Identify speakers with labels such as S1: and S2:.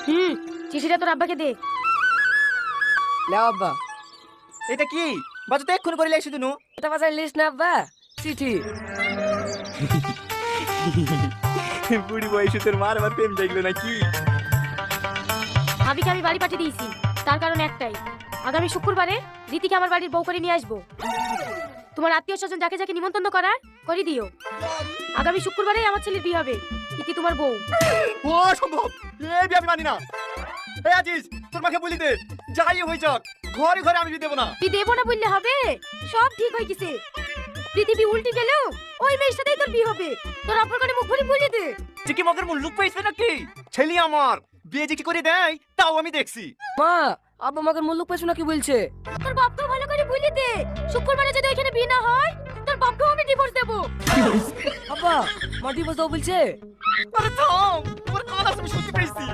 S1: হুম, চিঠিটা তোর আব্বাকে দে।
S2: লেও আব্বা।
S3: এটা কি বাজু তো এক্ষুনি করে লাইছি তুনু।
S2: এটা বাজার লিস্ট না আব্বা, চিঠি।
S3: বুড়ি বয়সে তোর মার আবার প্রেম দেখলো নাকি?
S1: ভাবিকে আমি বাড়ি পাঠিয়ে দিয়েছি, তার কারণ একটাই, আগামী শুক্রবারে রীতিকে আমার বাড়ির বউ করে নিয়ে আসবো। তোমার আত্মীয় স্বজন যাকে যাকে নিমন্ত্রণ করার করে দিও। আগামী শুক্রবারে আমার ছেলের বিয়ে হবে, ইতি তোমার বউ।
S3: ও সম্ভব, এই বিয়ে আমি মানি না। এই আজিজ তোর মাকে বলি দে, যাই হয়ে যাক ঘরে ঘরে আমি বিয়ে দেবো না।
S1: তুই দেবো না বললে হবে? সব ঠিক হয়ে গেছে, পৃথিবী উল্টে গেল ওই মেয়ের সাথেই তোর বিয়ে হবে। তোর আব্বার কানে মুখ ভরে বলে দে।
S3: যে কি মগের মুল্লুক পাইছে নাকি? ছেলে আমার বিয়ে যে কি করে দেয় তাও আমি দেখছি।
S2: মা, আব্বা আমাকে মুল্লুক পেছো না কি বলছে?
S1: তোর বাপকেও ভালো করে বলে দে, শুক্রবারে যদি ওইখানে বিয়ে না হয় তোর বাপকেও আমি ডিভোর্স দেবো।
S2: আব্বা, মা ডিভোর্স দাও বলছে?
S3: আরে থাম, তোমার কাজ আমি শুনতে পেয়েছি।